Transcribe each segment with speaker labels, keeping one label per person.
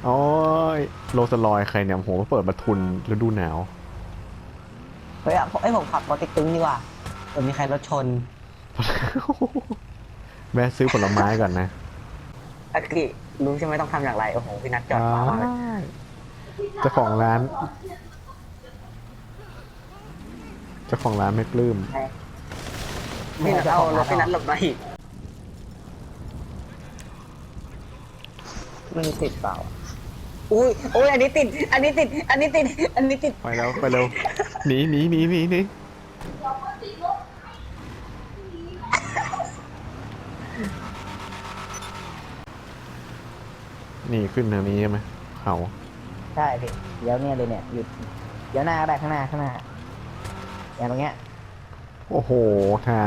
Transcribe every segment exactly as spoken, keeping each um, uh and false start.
Speaker 1: โอ้ยโรสลอยใครเนี่ยโหเปิดประทุนฤดูหนาว
Speaker 2: เฮ้ยอะเอ้ยผมขับรถติ๊กตึ้งดีกว่าเผื่อมีใครรถชน
Speaker 1: แวะซื้อผลไม้ก่อนนะ
Speaker 2: อากิรู้ใช่ไหมต้องทำอย่างไรโอ้โหพี่นัทจอด
Speaker 1: อ้า
Speaker 2: ขวางเลย
Speaker 1: ยเจ้าของร้านเจ้าของร้านไม่ปลื้ม
Speaker 2: พี่นัทเอารถพี่นัทหลบมาอีกมันติดเปล่าอุ้ยอุ้ยอันนี้ติด อันนี้ติด อันนี้ติด อันนี้ติด
Speaker 1: ไปแล้วไปเร็วหนีหนีหนีหนีหนีนี่ขึ้นทางนี้ใช่ไหมเขา
Speaker 2: ใช่พี่เดี๋ยวเนี่ยเลยเนี่ยหยุดเดี๋ยวหน้าก็ได้ข้างหน้าข้างหน้าอย่างตรงเงี้ย
Speaker 1: โอ้โหทาง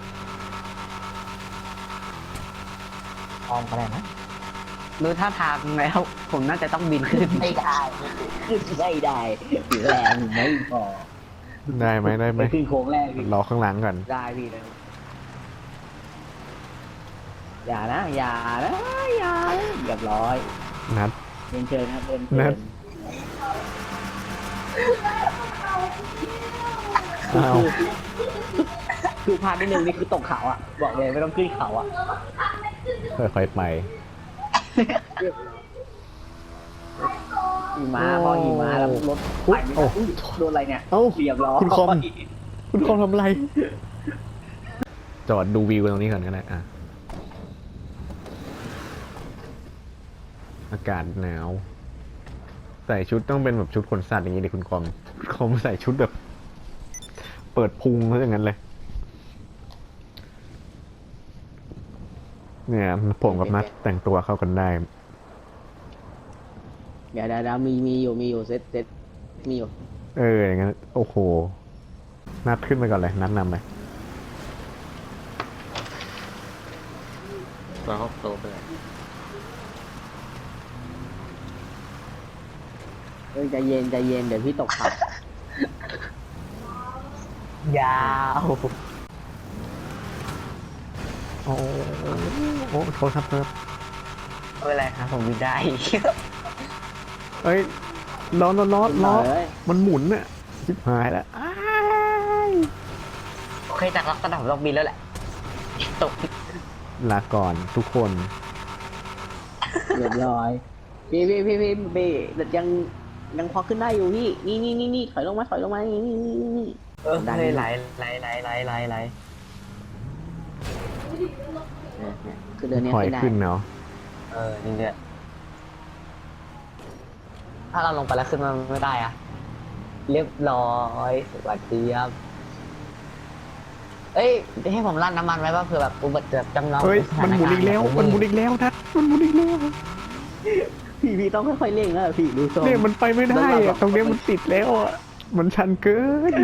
Speaker 2: ออมก็ได้นะดูท่าทางแล้วผมน่าจะต้องบินขึ้นไม่ได้ขึ้นไม่ได้แรงไม่พอ
Speaker 1: ได้ไหมได้ไหม
Speaker 2: ขึ้นโค้งแรกพี่
Speaker 1: รอข้างหลังก่อน
Speaker 2: ได้พี่เลยอย่านะอย่านะอย่านะเรียบร้อย
Speaker 1: นัด
Speaker 2: เรียนเชิญครับเรียน
Speaker 1: นั
Speaker 2: เชิ
Speaker 1: ด
Speaker 2: ญ
Speaker 1: อ้าว
Speaker 2: คือพลาดนิดนึงนี่คือตกเขาอ่ะบอกเลยไม่ต้องขึ้นเขาอ่ะ
Speaker 1: ค่อยๆไป
Speaker 2: หิมะพอหิมะแล้วรถไปไม่ได้อุ๊ยโดนอะไรเนี่ย
Speaker 1: เอ้า
Speaker 2: เรียบร้อย
Speaker 1: คุณคอม คุณคอมทำอะไร จอดดูวิวตรงนี้ก่อนก็ได้อ่ะ อากาศหนาว ใส่ชุดต้องเป็นแบบชุดขนสัตว์อย่างนี้ดิคุณคอมคุณคอมใส่ชุดแบบ เปิดพุงซะอย่างนั้นเลย เนี่ยผมกับนัดแต่งตัวเข้ากันได้
Speaker 2: เดี๋ยวเดี๋ยวมีมีอยู่มีอยู่เซ็ตเซ็ตมีอยู่
Speaker 1: เอออย่างนั้นโอ้โห นัดขึ้นไปก่อนเลย นัดนำไป
Speaker 3: เราเข้าโตไปเลย
Speaker 2: เฮ้ยใจเย็นใจเย็นเดี๋ยวพี่ตกเขายาว
Speaker 1: โอ้โอ้โทษครับครับ
Speaker 2: ไม่เป็นไรครับผมวิ่งได้
Speaker 1: เอ้ยล้อล้อล้อล้อ
Speaker 2: เอ้ย
Speaker 1: มันหมุนอะชิบหายแล้วอ้าย
Speaker 2: โอเคจากล็อกกระดับล็อกบินแล้วแหละตก
Speaker 1: ลาก่อนทุกคน
Speaker 2: เรียบร้อยพี่พี่พี่พี่พี่แต่ยังยังพอขึ้นได้อยู่พี่นี่นี่นี่นี่ถอยลงมาถอยลงมานี่นี่นี่นี่เออได้ไหลไหลไหลไหลไหลไหลคือเดินเนี้ย
Speaker 1: ถอย
Speaker 2: ขึ้นได้
Speaker 1: ขึ้นเนาะ
Speaker 2: เออนี่เนี่ยถ้าเราลงไปแล้วขึ้นมาไม่ได้อะเรียบร้อยสวัสดีครับเอ้ยให้ผมลั่นน้ำมันไว้ป่ะเผื่อแบบอุบัติเหตุจำลอง
Speaker 1: เฮ้ยมันหมุนอีกแล้ว มันหมุนอีกแล้วนัดมันหมุนอีกแล้ว
Speaker 2: พี่พี่ต้องค่อยๆเร่งนะพี่ดูทรง
Speaker 1: เนี่ยมันไปไม่ได้อะตรงเนี้ยมันติดแล้วอะมันชันเกิน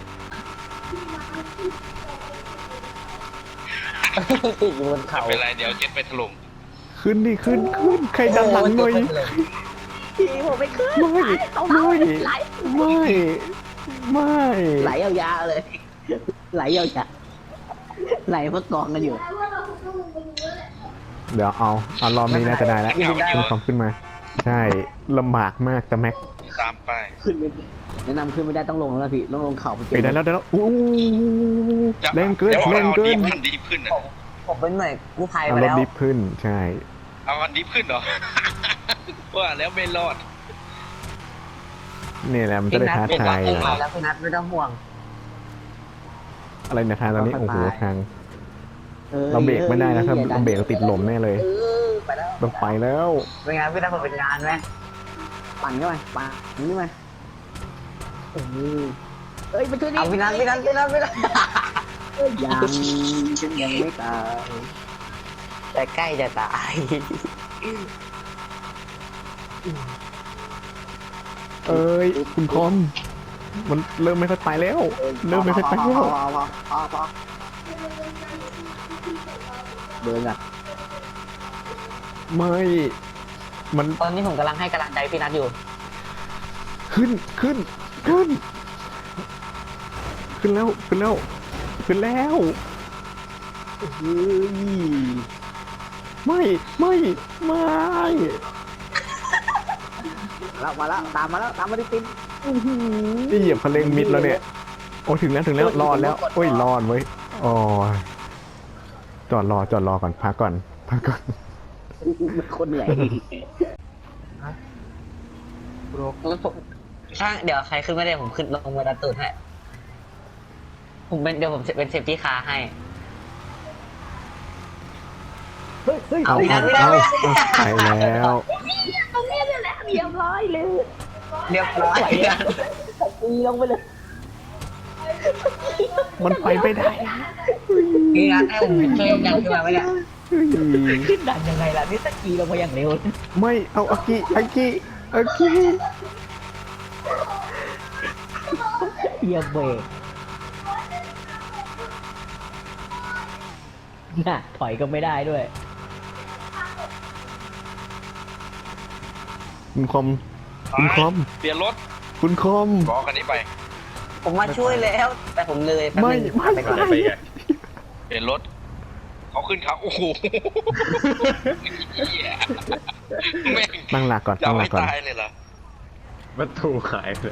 Speaker 2: ติดอยู่บนเขา
Speaker 3: ไม่เป็นไรเดี๋ยวเจ็ตไปถล่ม
Speaker 1: ขึ้นดิขึ้นขึ้นใครดันหลังหน่อย
Speaker 2: พี่ผมไม่ขึ้น
Speaker 1: ไม่ไม่
Speaker 2: ไหล
Speaker 1: ไม่ไม่
Speaker 2: ไหลยาวๆเลย ไหลยาวๆไหลเพื่อกองกันอยู่
Speaker 1: เดี๋ยวเอาเอารอบนี้น่าจะได้แล้วคุณคอมขึ้นมา ใช่ลำบากมากแต่แม็ก
Speaker 3: ตามไป
Speaker 2: ขึ้นไม่แนะนำขึ้นไม่ได้ต้องลงแล้วนะพี่ต้องลงเขาไป
Speaker 1: ไปได้แล้วได้แล้วอู้แรงเกิน
Speaker 3: ดี๋ยว
Speaker 1: แรงเกิน
Speaker 3: เอาดีขึ้นดีขึ้นอ่ะ
Speaker 2: ผมเป็นหน่วยกู้ภัย
Speaker 1: เอา
Speaker 2: มาร
Speaker 1: ถ
Speaker 2: แล้ว
Speaker 1: ดิฟขึ้นใช่
Speaker 3: เอาอันดีขึ้นเหรอ ว่าแล้วไม่รอด
Speaker 1: เนี่ยแหละมันจะได้ท้าทาย
Speaker 2: พี่
Speaker 1: ห
Speaker 2: นั
Speaker 1: น่
Speaker 2: ท
Speaker 1: อย
Speaker 2: แล้วพี่นัทไม่ต้องห่วง
Speaker 1: อะไรเนี่ยทางตอนนี้โอ้โหทาง
Speaker 2: ออ
Speaker 1: เราเบรกไม่ได้นะถ้า
Speaker 2: อย่
Speaker 1: เราเบรกเราติดลมแน่เลย
Speaker 2: เออไปแล้ว
Speaker 1: ต้องไปแล้ว
Speaker 2: เป็นไงพี่นัทผมเป็นงานไหมปั่นเข้าไปปั่นนี่มาเออเอ้ยไปช่วยดิเอาพี่นัทพี่นัทพี่นัทพี่นัทยังฉันยังไม่ตายแต่ใกล้จะตาย
Speaker 1: เอ้ยคุณคอม มันเริ่มไม่ค่อยไปแล้ว เริ่มไม่ค่อยไปแล้ว
Speaker 2: พอพอพอพอเดินอ่ะ
Speaker 1: ไม่ มัน
Speaker 2: ตอนนี้ผมกำลังให้กำลังใจพี่นัทอยู่
Speaker 1: ขึ้นขึ้นขึ้น ขึ้นแล้วขึ้นแล้วขึ้นแล้ว
Speaker 2: เฮ้ย
Speaker 1: ไม่ไม่ไม่
Speaker 2: แล้วมาแล้วตามมาแล้วตามมาติดติดอื้อหือ
Speaker 1: นี่เหยียบคันเร่งมิดแล้วเนี่ยโอ้ถึงแล้วถึงแล้วรอดแล้วโอ้ยรอดเว้ยโอ้ยจอดรอจอดรอก่อนพักก่อนพักก่อน
Speaker 2: คนเหนื่อย
Speaker 4: ช่างเดี๋ยวใครขึ้นไม่ได้ผมขึ้นลงมาดันตูดให้ผมเป็นเดี๋ยวผมเป็นเซฟตี้คาร์ให้
Speaker 2: เฮ้ยเฮ้ย
Speaker 4: เอา
Speaker 2: ไม่ได้
Speaker 4: ไม่ได้
Speaker 1: เอาเอาไปแล้ว
Speaker 2: ตรงนี้เลยแหละเรียบร้อยเลย
Speaker 4: เรียบร้อย
Speaker 2: ตีลงไปเลย
Speaker 1: มันไปไม่ได้
Speaker 4: นี่นะให้ผมช่วยกันขึ้นมาไหมเนี่ย
Speaker 2: ขึ้นดันยังไงล่ะนี่ตะกี้ลงมาอย่างเร็ว
Speaker 1: ไม่เอาอากิอากิอากิ
Speaker 2: เหยียบเบรกน่ะถอยก็ไม่ได้ด้วย
Speaker 1: คุณคอมคุณคอม
Speaker 3: เปลี่ยนรถ
Speaker 1: คุณคอม
Speaker 3: บอกคันนี้ไป
Speaker 4: ผมมาช่วยแล้ว แต่ผมเลยแป๊บ
Speaker 1: ไม่
Speaker 4: นึง
Speaker 1: ไม่
Speaker 4: ไปก่อน
Speaker 1: ไม่
Speaker 3: เปลี่ยนรถเขาขึ้นเขาโอ้โหเหี้ยแม่ง
Speaker 1: ตั้งหลักก่อน
Speaker 3: จะ
Speaker 1: ตั้
Speaker 3: เอา
Speaker 1: งหลั
Speaker 3: ให้
Speaker 1: กก่อน
Speaker 3: ตายเลยเหรอ
Speaker 5: วัตถุขายเลย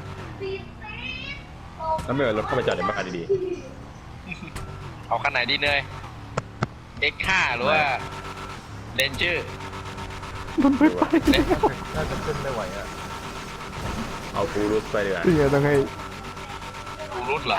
Speaker 5: แล้วไม่เอารถเข้าไปจอดในบ้านดี
Speaker 3: เอาคันไหนดีเนย เอ็กซ์ ห้า หรือว่าเรนเจอร์
Speaker 1: มันไม่ไป
Speaker 5: ๆน่าจะขึ้นไม่ไหวอ่ะ เอาฟูรุสไปดีกว่า
Speaker 1: เสียต้องให้
Speaker 3: ดูรุดเหรอ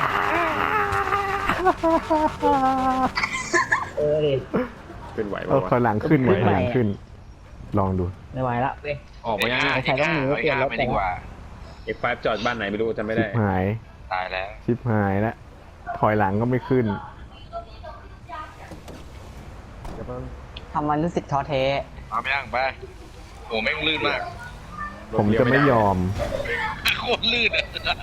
Speaker 2: เออดิ
Speaker 5: ขึ้นไหว
Speaker 1: เอา
Speaker 5: ป่าว
Speaker 1: ถอยหลังขึ้นไหม
Speaker 2: ขึ้น
Speaker 1: ถ
Speaker 2: ไป
Speaker 1: อยหลังขึ้น ลองดู
Speaker 2: ไม่ไหวละเว้ย
Speaker 5: ออกมายัง
Speaker 2: ใครต้องหนีก็เปลี่ยนรถ
Speaker 3: ไปดีกว่า
Speaker 5: เอ็กไฟจอดบ้านไหนไม่รู้จำไม่
Speaker 1: ชิ
Speaker 5: ได้
Speaker 1: บหาย
Speaker 3: ตายแล้ว
Speaker 1: ชิบหายแล้วถอยหลังก็ไม่ขึ้น
Speaker 4: ทำมันรู้สึกท้อแท้
Speaker 3: เอาไปย่างไปโอ้แม่งลื่นมาก
Speaker 1: ผมจะไม่ยอม
Speaker 3: โคตรลื่นอะ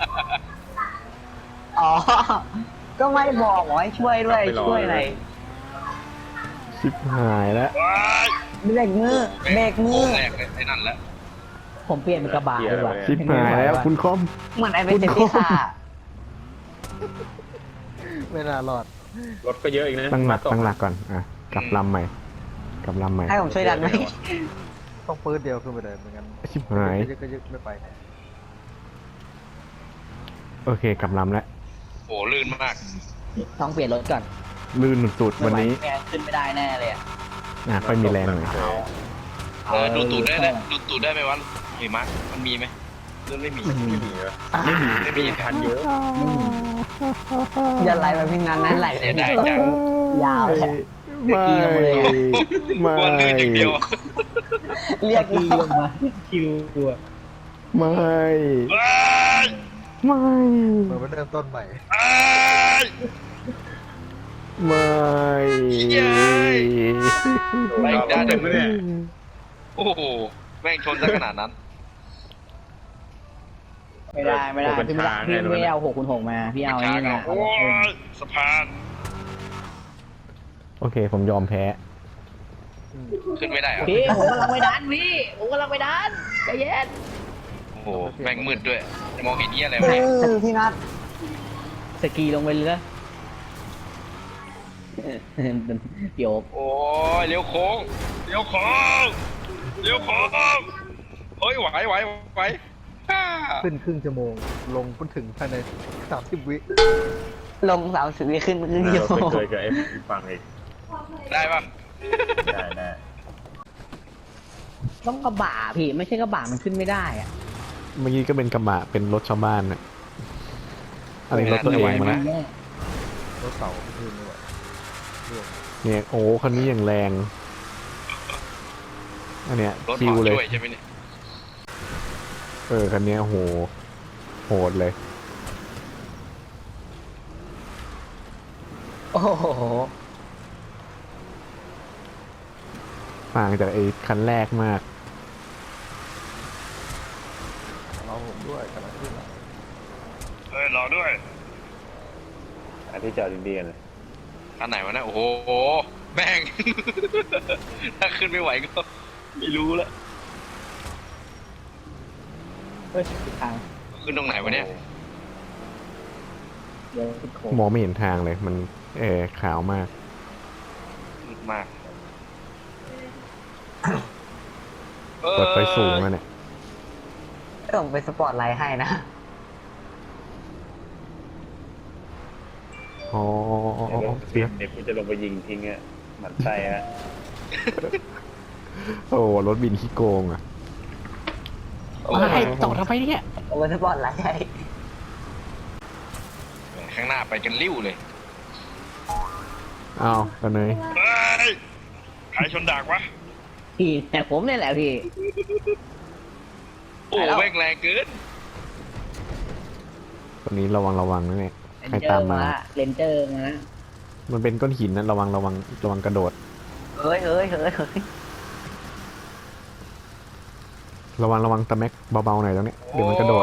Speaker 4: อ๋อ ก็ไม่บอกบอกให้ช่วยด้วยช่วยอะไร
Speaker 1: ชิบหายแล้ว
Speaker 3: ว้าย
Speaker 4: เบรกมือเบรกมื
Speaker 3: โอ้
Speaker 4: อ
Speaker 3: แรกเลยไอ้นั่นแหละ
Speaker 2: ผมเปลี่ยนเป็นกระบะดีกว่า
Speaker 1: ชิบหายแล้วคุณคอม
Speaker 4: เหมือนไอ้เป็นเซฟตี้คาร์
Speaker 6: ไม่น่ารอด
Speaker 5: รถก็เยอะอีกนะ
Speaker 1: ตั้งหลัก
Speaker 5: มา
Speaker 1: ตั้งหลักก่อนอ่ะกลับลำใหม่กลับลำใหม่
Speaker 4: ให้ผมช่วยดันไหม
Speaker 6: ต้องปืนเดียวขึ้นไปเลยเหมือนกัน
Speaker 1: ชิบหาย
Speaker 6: ยึกก็ยึกไม่ไป
Speaker 1: โอเคกลับลำแล้ว
Speaker 3: โอ้ลื่นมาก
Speaker 2: ต้องเปลี่ยนรถก่อน
Speaker 1: ลื่นสุดๆวันนี้
Speaker 4: แกขึ้นไม่ได้แน่เลยอะ
Speaker 1: อ่ะค่อยมีแรงหน่อย
Speaker 3: เออดูตูดได้ไหมดูตูดได้ไหมวะหิมะมันมีไหมเรื่องไม่มี
Speaker 5: ไม่มีเหรอ
Speaker 3: ไม่มีไม่มี
Speaker 5: ทันเยอะ
Speaker 4: อย่าไหลแบบพี่นันนั้นไหล
Speaker 3: เสียดายจัง
Speaker 2: ยาวเลย
Speaker 1: ไม่ไม่
Speaker 3: วันลื่นอย่างเดียว
Speaker 4: เรียก
Speaker 2: ตี
Speaker 4: เรา
Speaker 2: ลงมาคิวตัว
Speaker 3: ว
Speaker 1: ไม่
Speaker 3: ้าย
Speaker 1: ไม่
Speaker 6: เหมือนมันเริ่มต้นใหม่
Speaker 3: อ้าย
Speaker 1: ไม่
Speaker 3: ไปอีกด้านหนึ่ง
Speaker 5: เนี่ย
Speaker 3: โอ้โหแม่งชนซะขนาดนั้น
Speaker 2: ไม่ได้ไม่ได้พี่ไม่ได้พี่ไม่เอาหกคูณหกมาพี่เอาไอ้นี่มา
Speaker 3: โอ้ยสะพาน
Speaker 1: โอเคผมยอมแพ้
Speaker 3: ขึ้นไม่ได้เหรอะ
Speaker 2: พี่ผมกำลังไปดันพี่ผมกำลังไปดันใจเย็น
Speaker 3: โอ้โหแม่งมืดด้วยจะมองเห็นเนี้ยอะไร
Speaker 4: เอ
Speaker 3: วะเนี่ย
Speaker 4: อพี่นัท
Speaker 2: สกีลงไปเลยเดี๋ยว
Speaker 3: โอ้ยเลี้ยวโค้งเลี้ยวโค้งเลี้ยวโค้งเฮ้ยไหวไหวไหวฮ่า
Speaker 6: ขึ้นครึ่งชั่วโมง ลงพ้นถึงภายในสามสิบวิ
Speaker 4: ลงสามสิบวิขึ้นครึ่ง
Speaker 5: เรา
Speaker 4: ชั่วโมง
Speaker 5: เคยกับไอ้ฟังอีก
Speaker 3: ได้ปะ
Speaker 5: ได้ได้
Speaker 2: ต้องกระบะพี่ไม่ใช่กระบะมันขึ้นไม่ได้อะ
Speaker 1: เมื่อกี้ก็เป็นกระบะเป็นรถชาวบ้านนะอะไรรถตัวเองมาแล้ว
Speaker 6: รถเสาขึ้นไม่ไหวร่วง
Speaker 1: เนี่ยโอ้คันนี้อย่างแรงอันเนี้ย
Speaker 3: รถ
Speaker 1: คิว
Speaker 3: หอ
Speaker 1: เลย
Speaker 3: ช่วยใช่ไหมเนี่ย
Speaker 1: เออคันเนี้ยโหโหดเลย
Speaker 2: โอ้โห
Speaker 1: ต่างจากไอ้คันแรกมาก
Speaker 6: เราผมด้วยกำลังขึ้นแล้ว
Speaker 3: เอ้ยรอด้วย
Speaker 5: อันที่จอดดีๆกันเลย
Speaker 3: อันไหนวะเนี่ยโอ้โหแม่ง ถ้าขึ้นไม่ไหวก็ไม่รู้ละ
Speaker 2: เฮ้ยทาง
Speaker 3: ขึ้นตรงไหนวะเนี่ย
Speaker 2: เดี๋ยวขึ้นโค้ง
Speaker 1: มองไม่เห็นทางเลย มันเออขาวมาก
Speaker 3: มืดมาก
Speaker 1: เปิดไฟสูงแล้วเนี่ย
Speaker 4: ผมเป็นสปอร์ตไลท์ให้นะ
Speaker 1: อ๋อเสีย
Speaker 5: เดี๋ยวกูจะลงไปยิงทิ้งอ่ะหมันไส้ฮะ
Speaker 1: โอ้รถบินขี้โกงอ่ะ
Speaker 3: โอ้
Speaker 1: ให้ต่อทำไมเนี่ย
Speaker 4: ผมเป็นสปอร์ตไลท์ให้
Speaker 3: ข้างหน้าไปกันริ้วเลย
Speaker 1: อ้าวกันเลย
Speaker 3: เฮ้ยใครชนดากวะ
Speaker 2: พี่แต่ผมเนี่ยแหละพี่
Speaker 3: โอ้แม่งแรงเกิน
Speaker 1: ตอนนี้ระวังระวังนะเนี่ยใครตามมา
Speaker 2: เลนเจอร์มา
Speaker 1: มันเป็นก้อนหินนะระวังระวังระวังกระโดด
Speaker 4: เฮ้ยเฮ้ยเฮ้ยเฮ้ย
Speaker 1: ระวังระวังตะแม็กเบาๆหน่อยตรงนี้เดี๋ยวมันกระโดด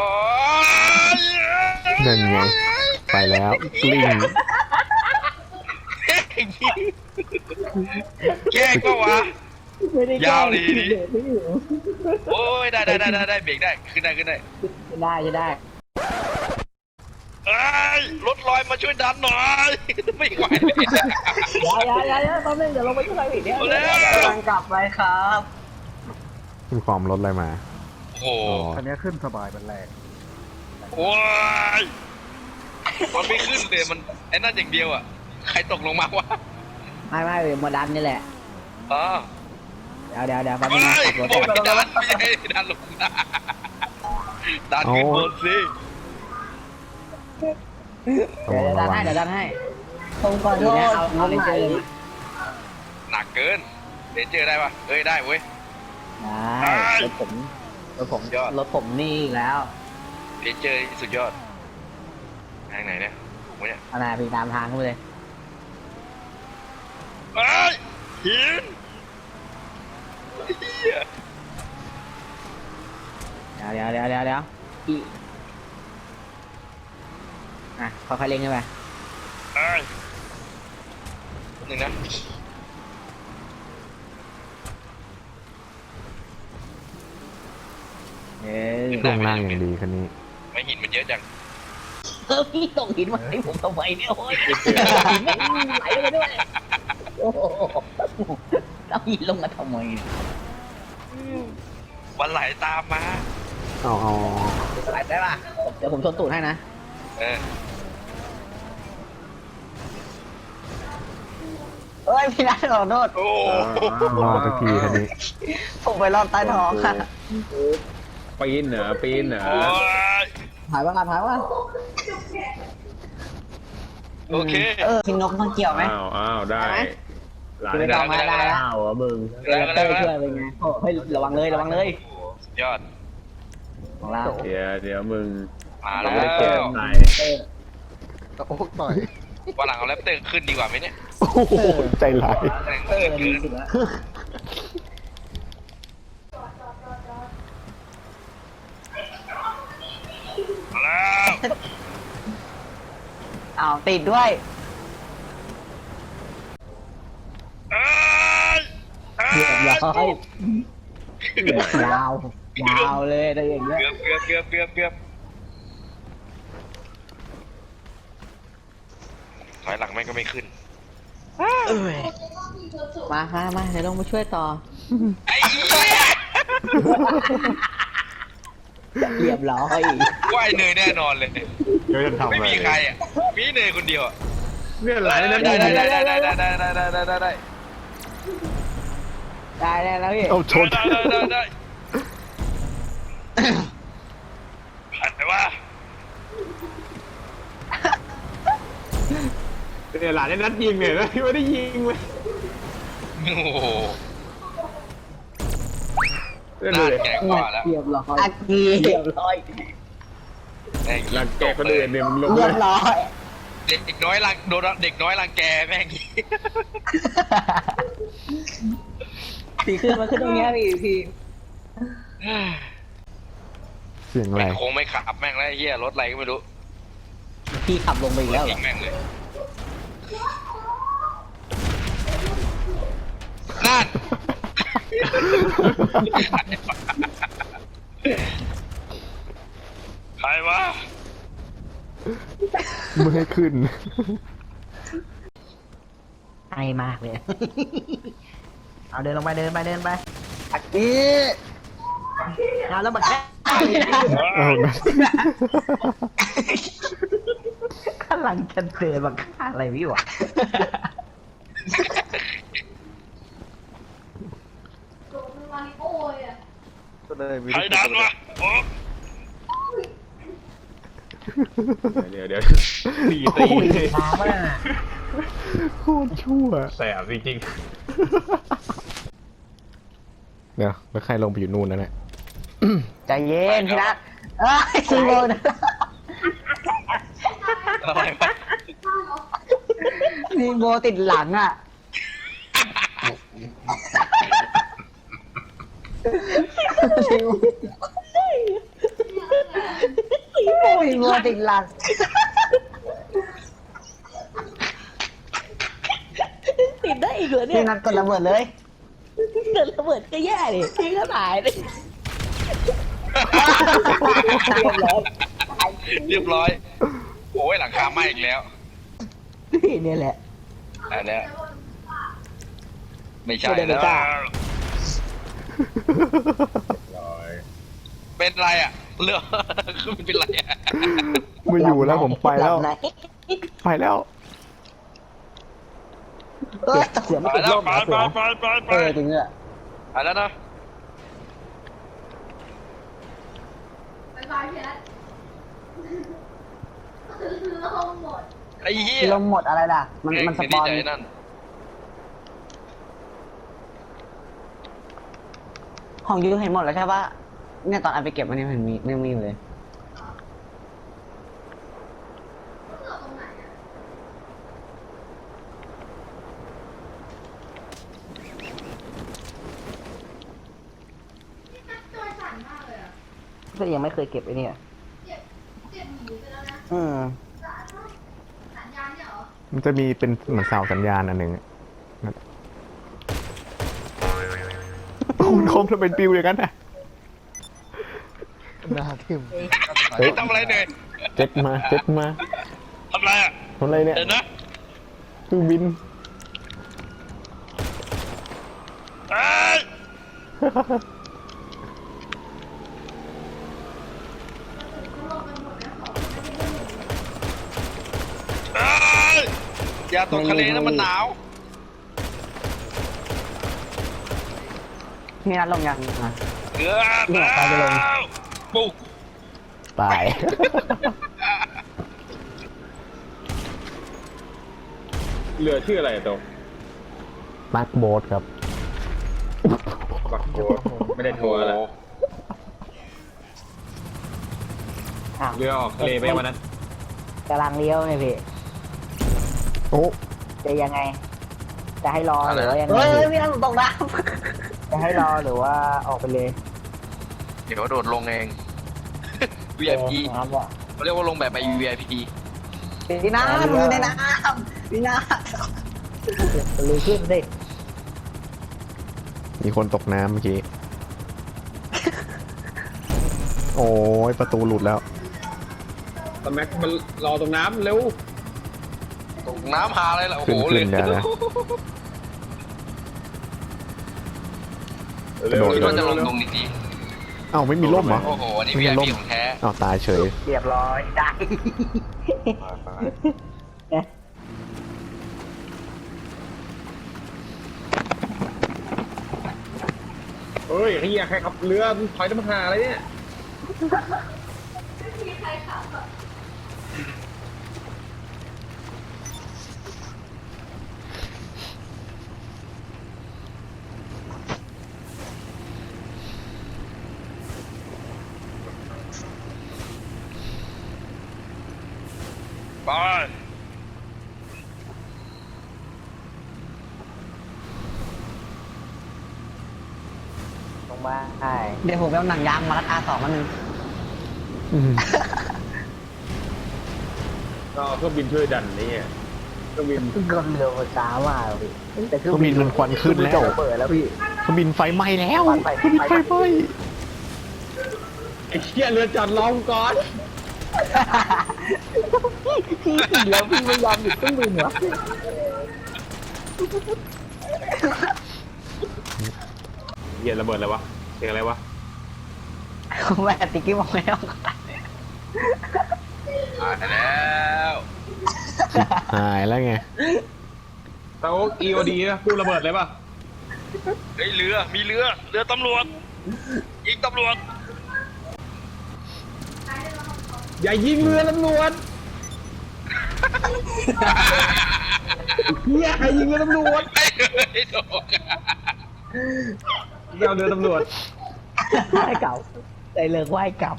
Speaker 1: นั่นไงไปแล้วกลิ้ง
Speaker 3: แกล้งก็วะ
Speaker 2: ไม่ได้
Speaker 3: ยาวดีดิ
Speaker 2: เบรกไม่อยู่
Speaker 3: โอ้ยได้ได้ได้ได้ได้เบรกได้ขึ้นได้ขึ้นได้
Speaker 2: จะได้จะได้
Speaker 3: เอ้ยรถลอยมาช่วยดันหน่อย ไม่ไหวเลย
Speaker 2: อย่าอย่าอย่าอย่าตอนนึงเดี๋ยวลงไปช่วยอีกเดี๋ยว
Speaker 3: เอาแล้ว
Speaker 4: กำลังกลับไปครับ
Speaker 1: คุณความรถอะไรมา
Speaker 3: โอ้โห
Speaker 1: อ๋อ
Speaker 6: คันนี้ขึ้นสบายมันแรง
Speaker 3: โอ้ยมันไม่ขึ้นเลยมันไอ้นั่นอย่างเดียวอ่ะใครตกลงมาวะ
Speaker 2: ไม่ไม่เดี๋ยวมาดันนี่แหละ
Speaker 3: อ๋อ
Speaker 2: เดี๋ยวเดี๋ยวเดี๋ยวแป๊บ
Speaker 3: เฮ้
Speaker 2: นึงนะ
Speaker 3: ย
Speaker 2: ขับรถ
Speaker 3: บอก
Speaker 2: ก่อน
Speaker 3: ให้ดันไม่ใช่ดันลงมาดันขึ้นบนสิ
Speaker 1: ระ
Speaker 2: เดี๋ยว
Speaker 1: วัง
Speaker 2: เดี๋ยวดั
Speaker 1: ระ
Speaker 2: น
Speaker 1: วั
Speaker 2: ให้
Speaker 1: ง
Speaker 2: เดี๋ยวดันให้ตรงก่อนทีเนี้ยเอาเอาเลนเจอร์มา
Speaker 3: หนักเกินเดนเจอร์ได้ปะเอ้ยได้เว้ย
Speaker 2: ได้รถผมรถผม
Speaker 3: ยอด
Speaker 2: รถผมนี่แล้ว
Speaker 3: เดนเจอร์สุดยอดทางไหนเนี่ยผมเนี่ย
Speaker 2: เอาหน้าพี่ตามทางเข้าไปเลย
Speaker 3: เอ้ยหินเหี้ย
Speaker 2: เดี๋ยวเดี๋ยวเดี๋ยวเดี๋ยวเดี๋ยวอีอ่ะค่อยๆเล็งขึ้นไป
Speaker 3: เอ้ยหนึ่งนะ
Speaker 2: เอ้ย
Speaker 1: ช่วงล่างอย่างดีคันนี้
Speaker 3: ไม่หินมันเยอะจัง
Speaker 2: เออพี่ตกหินมาให้ผมทำไมเนี่ยโอ้ยหินไม่ไหลลงไปด้วยโอ้โหเอาหินลงมาทำไมเนี่ย
Speaker 3: วันไหลตามมา
Speaker 1: เอาเอา
Speaker 2: ไหลได้ป่ะเดี๋ยวผมชนตูดให้นะ
Speaker 3: เออ
Speaker 4: เฮ้ยพี่นัทขอโทษ
Speaker 3: โอ้
Speaker 1: รอดสักทีคันนี้
Speaker 4: ผมไปรอบใต้ท้องค่ะ
Speaker 5: ปีนเหรอปีนเหรอ
Speaker 3: โอ้ย
Speaker 2: ถ่ายว่าถ่ายว่า
Speaker 3: โอเค
Speaker 4: เออทีมนกต้องเกี่ยวไหม
Speaker 5: อ้าวอ้าวได้หลาน
Speaker 2: ไม่
Speaker 5: ได้
Speaker 2: ต้องมาได้แล้ว
Speaker 5: อ้าวอ่ะมึง
Speaker 2: เรเตอร์ช่วยเป็นไงโอ้เฮ้ยระวังเลยระวังเลย
Speaker 3: สุดยอด
Speaker 2: ของเรา
Speaker 5: เดี๋ยวเดี๋ยวมึง
Speaker 3: มา
Speaker 5: เรา
Speaker 3: แล้
Speaker 5: ไม่ได้เก็บ
Speaker 3: ว
Speaker 5: ไหน
Speaker 6: ตะโอ๊กต่อย
Speaker 3: วันหลังเอาแรปเตอร์ขึ้นดีกว่าไหมเนี่ย
Speaker 1: โอ้โหใจร้าย
Speaker 3: แรง
Speaker 2: เออ
Speaker 3: เกิ
Speaker 2: ดี
Speaker 3: น
Speaker 2: สุดแล้ว
Speaker 3: มาแล้ว
Speaker 4: อ้าวติดด้วย
Speaker 3: เอ้ยเอ้
Speaker 2: เรียบร้อย
Speaker 3: ย
Speaker 2: ยาวยาวเลยได้อย่างเงี้ย
Speaker 3: เกือบเกือบเกือบเกือบเกือบถอยหลังแม่งก็ไม่ขึ้น
Speaker 2: มามามาเดี๋ยวลงมาช่วยต่อ
Speaker 3: ไอ้เหี้ย
Speaker 2: เรียบร้อย
Speaker 3: ว่ายเนยแน่นอนเลย
Speaker 1: เดี๋ยวจะทำ
Speaker 3: ไม่
Speaker 1: อะไร
Speaker 3: มีใครอ่ะ มีเนยคนเดียวอะ
Speaker 5: เนี่ยหลานนั่น
Speaker 3: ได้
Speaker 5: ได้
Speaker 3: ได้
Speaker 5: ได้
Speaker 3: ได้ได้ได้ได้ได้ได้ได้ได้
Speaker 2: ได้ได้แล้วพี่
Speaker 1: เอาชน
Speaker 3: ได้ได้ได้ได้ผ่านไปว่า
Speaker 5: เนี่ยหลานได้นัดยิงเนี่ยแล้วไม่ได้ยิงเลย
Speaker 3: โอ้โห
Speaker 5: เล่น
Speaker 3: น่า
Speaker 5: เลย
Speaker 3: แก่กว่าแล้ว
Speaker 2: เรียบร้อย
Speaker 4: อากี
Speaker 2: เรียบร้อย
Speaker 3: แม่ง
Speaker 5: รังแกคนอื่นเนี่ยมึงลง
Speaker 4: เรี
Speaker 5: เลย
Speaker 4: บร้อย
Speaker 3: เด็กน้อยรังโดนเด็กน้อยรังแกแม่ง
Speaker 2: สีขึ้นมาขึ้นตรงเนี้ยพี่พี่
Speaker 1: เสียงอะไร
Speaker 3: ไม่คงไม่ขับแม่งแล้วไอ้เหี้ยรถอะไรก็ไม่รู้
Speaker 2: พี่ขับลงไปอีกแล้วเหร
Speaker 3: ทิ้
Speaker 2: อง
Speaker 3: แม่งเลยนั่น ใครวะ
Speaker 1: ไม่ให้ขึ้น
Speaker 2: ไอมากเลย เอาเดินลงไปเดินไปเดินไป
Speaker 4: อากี
Speaker 2: เอาแล้วมาแค่
Speaker 1: เอานะ
Speaker 2: กำลังจะเดินมาฆ่าอะไรพี่วะ
Speaker 6: ก็เลยมี
Speaker 3: ใครดันวะโอ้
Speaker 5: เดี๋ยวเดี๋ยวตี
Speaker 2: โอ้
Speaker 5: ตี
Speaker 2: ยช้ามาก
Speaker 1: โคตรชั่ว
Speaker 5: แสบจริง
Speaker 1: เดี๋ยวแล้วใครลงไปอยู่นู่นนั่นแหละ
Speaker 2: ใจเย็นพี่นัทเอ้ยซีโร่นะ
Speaker 3: อะไรวะ
Speaker 2: ซีโร่ติดหลังอ่ะซีโร่ซีโร่ติดหลัง
Speaker 7: ติดได้อีกเหรอเนี่
Speaker 2: พี่
Speaker 7: ย
Speaker 2: นัทกดระเบิดเลย
Speaker 7: เกิดระเบิดก็แย่ดิพี่ก็ตายเลย
Speaker 3: เรียบร้อยโอ้ยหลังคาไหม้อีกแล้ว
Speaker 7: พี่เนี่ยแหละ
Speaker 3: อันเนี้ยไม่ใช่
Speaker 7: ไม่ได้
Speaker 3: แล้ว
Speaker 7: ไม่กล้า
Speaker 5: ๆร้อย
Speaker 3: เป็นไรอ่ะเรือคือมันเป็นไรอ่ะ
Speaker 1: ไม่อยู่แล้วผมไปแล้ว
Speaker 2: หบไหน
Speaker 1: ไปแล้ว
Speaker 2: เอ้ยเสือ
Speaker 3: ไป
Speaker 2: ไม่ติด
Speaker 3: แล้ว
Speaker 2: ร่ม
Speaker 3: ไป
Speaker 2: นะเสื
Speaker 3: ไป
Speaker 2: อ
Speaker 3: ไปไปไป
Speaker 2: เออจริงอ่ะ
Speaker 3: ไปแล้วนะ
Speaker 8: บายบายพี่นัทลงหมด
Speaker 3: ไอ้เหี้ย
Speaker 2: ลมหมดอะไรล่ะ มันมันสปอน
Speaker 3: เก่งดีใจนั่น
Speaker 2: ของยูเห็นหมดแล้วใช่ปะเนี่ยตอนเอาไปเก็บมันยังเห็นมียังมีอยู่เลย
Speaker 8: เราตรงไหนอ่ะพี่นัทตัวสั่นมากเลยอ่ะ
Speaker 2: ก็ยังไม่เคยเก็บไอ้เนี่ย
Speaker 8: เจ็บเจ็บหมีไปแล้วนะ
Speaker 2: อืม
Speaker 8: สัญญาณเนี่ยเหรอ
Speaker 1: มันจะมีเป็นเหมือนเสาสัญญาณอันหนึ่งอะนั่นคุณคมจะเป็นปิวอย่างนั้นนะ
Speaker 6: หน้าทิ่ม
Speaker 1: เฮ้ย
Speaker 3: ทำอะไรเนี่ย
Speaker 1: เจ็ดมาเจ็ดมา
Speaker 3: ทำอะไรอ่ะ
Speaker 1: ทำอะไรเนี่ย
Speaker 3: เดี๋ยวนะ
Speaker 1: เครื่องบิน
Speaker 3: เอ้ยเอ้ยอย่าตกทะเลนะมันหนาว
Speaker 2: พี่นัทลงยังอ่ะ
Speaker 3: เกือบ
Speaker 2: เนี่ยไปไปลง
Speaker 3: แล้วปุ๊ก
Speaker 1: ตาย
Speaker 5: เรือชื่ออะไรตรง
Speaker 1: มาร์คโบ๊ทครับ
Speaker 5: บักโกไม่ได้โทรแล้ว
Speaker 2: อ้าว
Speaker 5: เรือออกทะเลไปวันนั้น
Speaker 2: กำลังเลี้ยวไงพี่
Speaker 1: โอ้
Speaker 2: จะยังไง จะให้รอหรือว่ายังไงเฮ้ยพี่นัทตกน้ำจะให้รอหรือว่าออกไปเลย
Speaker 3: เดี๋ยวโดดลงเอง วี ไอ พี
Speaker 2: ครับว่ะ
Speaker 3: เขาเรียกว่าลงแบบไป วี ไอ พี
Speaker 2: พี่นัทอยู่ในน้ำพี่นัทเลยขึ้นสิ
Speaker 1: มีคนตกน้ำเมื่อกี้ โอ้ยประตูหลุดแล้ว
Speaker 5: ตแม็กมันรอตรงน้ำเร็ว
Speaker 3: ตกน้ำหาอะไรล่ะ โอ้โห
Speaker 1: ขึ้นๆ
Speaker 3: เลย
Speaker 1: เดี๋ยวนะ
Speaker 5: เร็ว
Speaker 1: กระโดด
Speaker 3: คิดว่าจะลงตรงนี้ดี
Speaker 1: เอ้าไม่มีร่มเหรอ
Speaker 3: โอ้โหอันนี้
Speaker 1: ไม่
Speaker 3: วี
Speaker 1: มี
Speaker 3: ไอ
Speaker 1: ร่ม
Speaker 3: พีของแท้
Speaker 1: อ้าวตายเฉย
Speaker 2: เรียบร้อยได้
Speaker 5: เฮ้ยเฮียใครขับเรือถอยน้ำหาอะไรเนี่ย
Speaker 8: ไม่มีใครขับอ่ะ
Speaker 3: ไป
Speaker 2: ลงมาใช่เดี๋ยวผมไปเอาหนังยางมารัดอาสองมาหนึ่ง
Speaker 1: อืม
Speaker 5: ก็เครื่องบินช่วยดันนี่เครื่องบิน
Speaker 2: ก็เรือมันช้ามากพี่แต่
Speaker 1: เครื่องบินมันควันขึ้นแล้ว
Speaker 2: เปิดแล้วพี่
Speaker 1: เครื่องบินไฟไหม้แล้ว
Speaker 2: ไฟ
Speaker 1: เครื่องบินไฟไหม้
Speaker 5: ไอ้เชี่ยเรือจอดรอกูก่อน
Speaker 2: พี่ติดแล้วพี่ไม่ยอมหยุดเครื่องบินเหรอ
Speaker 5: เฮียระเบิดอะไรวะเสียงอะไรวะ
Speaker 2: แม่ติ๊กกี้บอกไม่ต้อง
Speaker 3: ตายแล้ว
Speaker 1: หายแล้วไง
Speaker 6: ตาโอ๊ก อี โอ ดี นะกู้ระเบิดเลยป่ะ
Speaker 3: เฮ้ยเรือมีเรือเรือตำรวจยิงตำรวจ
Speaker 6: อย่ายิงเรือตำรวจเฮียใครยิงเรือตำรวจ
Speaker 3: ไอ้เฮ้ยโดน
Speaker 6: ไปเอาเรือตำรวจ
Speaker 7: ไหว้เก่าใจเลิกไหว้กลับ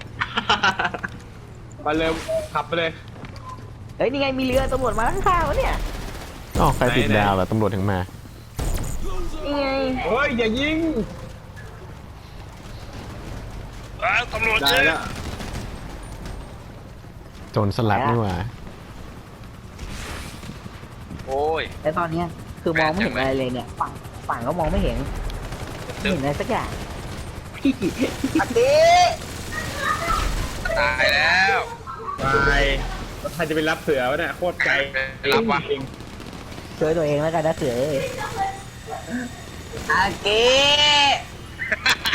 Speaker 6: ไปเลยขับไปเลย
Speaker 7: เฮ้ยนี่ไงมีเรือตำรวจมาข้างๆวะเนี่ย
Speaker 1: อ๋อใครติด
Speaker 6: ไหนๆ
Speaker 1: ดาวแล้วตำรวจถึงมา
Speaker 7: นี่ไง
Speaker 6: เฮ้ยอย่ายิง
Speaker 3: อ่าตำรวจ
Speaker 6: ได้
Speaker 3: ยิง
Speaker 6: แล้ว
Speaker 1: โจรสลัดนี่หว่า
Speaker 3: โอ้ย
Speaker 7: แต่ตอนเนี้ยคือมองไม่เห็นอะไรเลยเนี่ยฝั่งฝั่งก็มองไม่เห็นไม่เห็นอะไรสักอย่างพี่
Speaker 2: อาทิ
Speaker 3: ตายแล้ว
Speaker 6: ไปแล้วใครจะไปรับเสือวะเนี่ยโคตรไกล
Speaker 3: รับวะ
Speaker 6: จริง
Speaker 7: ช่วยตัวเองแล้วกันนะเสือเอ้ย
Speaker 2: อาเกะ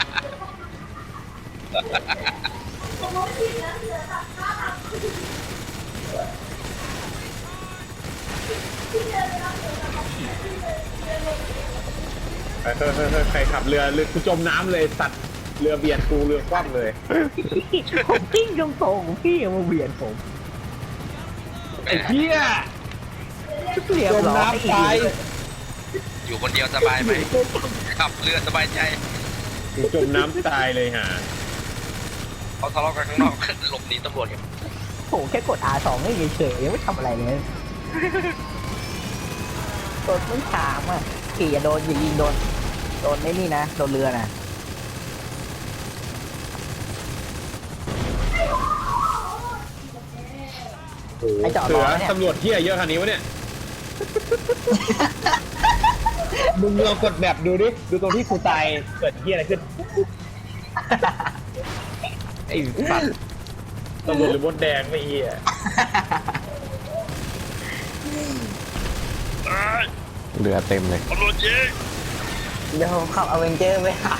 Speaker 6: ไปเฮ้ยเฮ้ยเฮ้ยใครขับเรือเรือกูจมน้ำเลยสัตว์เรือเบียดกูเรือคว่ำเลย
Speaker 7: ผมกิ้งตรงๆพี่ยังมาเบียดผม
Speaker 6: ไอ้เหี้ย
Speaker 7: เรียบ
Speaker 6: จม
Speaker 7: ร้อย
Speaker 6: น้ำตาย
Speaker 3: อยู่คนเดียวสบายไหมขับเรือสบายใจ
Speaker 6: กูจมน้ำตายเลยฮะ
Speaker 3: เขาทะเลาะกันข้างนอกหลบหนีตำรวจกัน
Speaker 7: ผมแค่กด อาร์ สอง ไม่เฉยๆยังไม่ทำอะไรเลยกดไม่ถามอ่ะขี่อย่าโดนอย่ายิงโดนโดนไม่นี่นะโดนเรือนะ ไอ้จอด
Speaker 6: เสื
Speaker 7: รอ
Speaker 6: อ
Speaker 7: เนี่ย
Speaker 6: ตำรวจเหี้ยเยอะขนาดนี้วะเนี่ย มึงลองกดแบบดูดิ ดูตรงที่กูตายเกิดเหี้ยอะไรขึ้น ไอ้สัตว์ตำรวจหรือมดแดงไม่เหี้ย
Speaker 3: ตาย
Speaker 1: เรือเต็มเลย
Speaker 3: ตำรวจยิง
Speaker 2: เดี๋ยวผมขับอเวนเจอร์ไปหา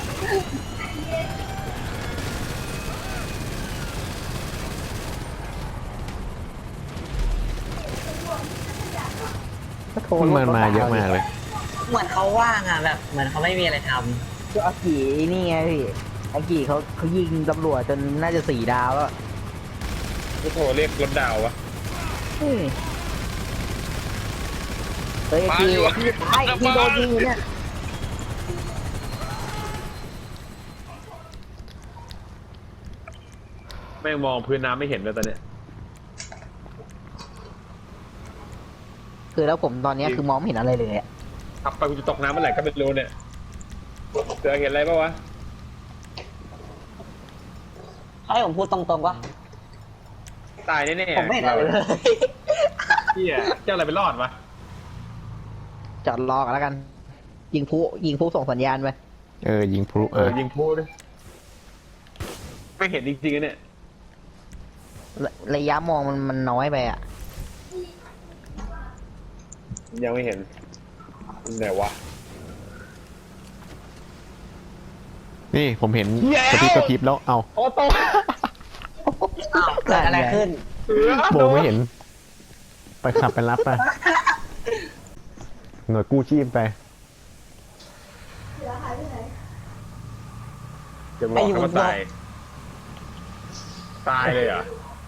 Speaker 7: ก็โทร
Speaker 1: มันมาเยอะมากเลย
Speaker 2: เหมือนเขาว่างอ่ะแบบเหมือนเขาไม่มีอะไรท
Speaker 7: ก็อากินี่ไงพี่อากิเขาเขายิงตำรวจจนน่าจะสี่ดาวแล้ว
Speaker 6: กูโทรเรียกรถดาววะ
Speaker 7: เฮ้ยเฮ้ยอากิอากิตายอากิโดนยิงอยู่เนี่ย
Speaker 6: แม่งมองพื้นน้ำไม่เห็นเลยตอนเนี้ย
Speaker 7: คือแล้วผมตอนเนี้ยคือมองไม่เห็นอะไรเลยอะ
Speaker 6: ขับไปกูจะตกน้ำเมื่อไหร่ก็ไม่รู้เนี่ยเสือเห็นอะไรปะวะ
Speaker 2: ำให้ผมพูดตรงๆว่า
Speaker 6: ตายแน่ๆ
Speaker 2: ผมไม่เห็นอะไรเลย
Speaker 6: เหี้ยเจ้าอะไรไปรอดวะ
Speaker 7: จอดรอกันแล้วกัน ยิงผู้ยิงผู้ส่งสัญญาณไป
Speaker 1: เออ ยิงพลุ
Speaker 6: เออ
Speaker 1: อ่ะ
Speaker 6: ยิงพูดดิไม่เห็นจริงๆนะเนี่ย
Speaker 7: ระระยะมองมันมันน้อยไปอ่ะ
Speaker 6: ยังไม่เห็นไหนวะ
Speaker 1: นี่ผมเห็น
Speaker 6: เหี้ย
Speaker 1: กระพริบกระพริบแล้ว เอา
Speaker 6: โอ้โต
Speaker 2: อ้าวเกิดอะไรขึ้น
Speaker 6: เสือ
Speaker 1: โบไม่เห็น ไปขับไปรับไป หน่วยกู้ชีพไป
Speaker 6: จะบอกให้มันตาย ตายเลยเหรอ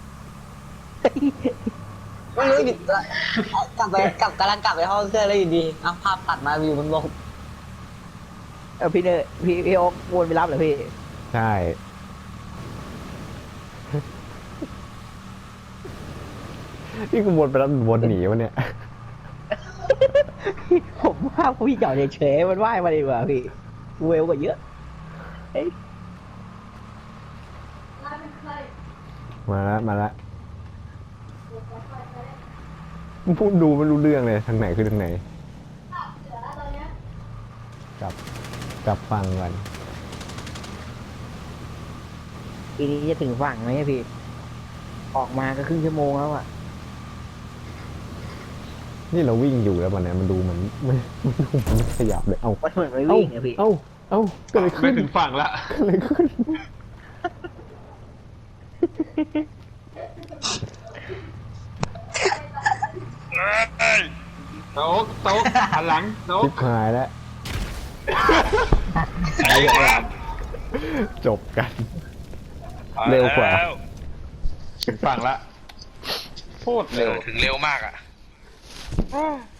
Speaker 2: ไม่รู้ดิกลับไปกลับกำลังกลับไปห้องเครื่องแล้วอยู่ดีเอาภาพตัดมาวิวมันลง
Speaker 7: เออพี่เนยพี่พี่โอ๊ควนไปรับเหรอพี่
Speaker 1: ใช่ นี่กูวนไปแล้ววนหนีวะเนี่ย
Speaker 7: ผมว่าพี่จอดเฉยๆมันว่ายมาดีกว่าพี่เวลกว่าเยอะเอ้ย
Speaker 1: มาละมาละพูดดูไม่รู้เรื่องเลย ทางไหนคือทางไหน กลับ กลับฟังก่อน
Speaker 7: ปีนี้จะถึงฝั่งไหมพี่ ออกมาก็ครึ่งชั่วโมงแล้วอ่ะ
Speaker 1: นี่เราวิ่งอยู่แล้วมันเนี่ยมันดูเหมือนมันมันดูเหมันไม่ขยับเลย เอา
Speaker 7: มันเหมือนไม่วิ่งอะพี่
Speaker 1: เอ้าเอ้าเกิดอะไร
Speaker 6: ไม่
Speaker 1: ขึ้น
Speaker 6: ถึงฝั่งละ
Speaker 1: เกิดอะไรขึ้น
Speaker 3: เอ้ย
Speaker 6: โต๊ะโต๊ะหันหลังโต๊ะ
Speaker 1: ชิบหายแล้ว
Speaker 3: ไอ้วะ
Speaker 1: จบกัน เร็วกว่า
Speaker 3: แล้
Speaker 6: ถึงฝั่งละโคตร
Speaker 3: เอ
Speaker 6: เร็ว
Speaker 3: อถึงเร็วมากอ่ะ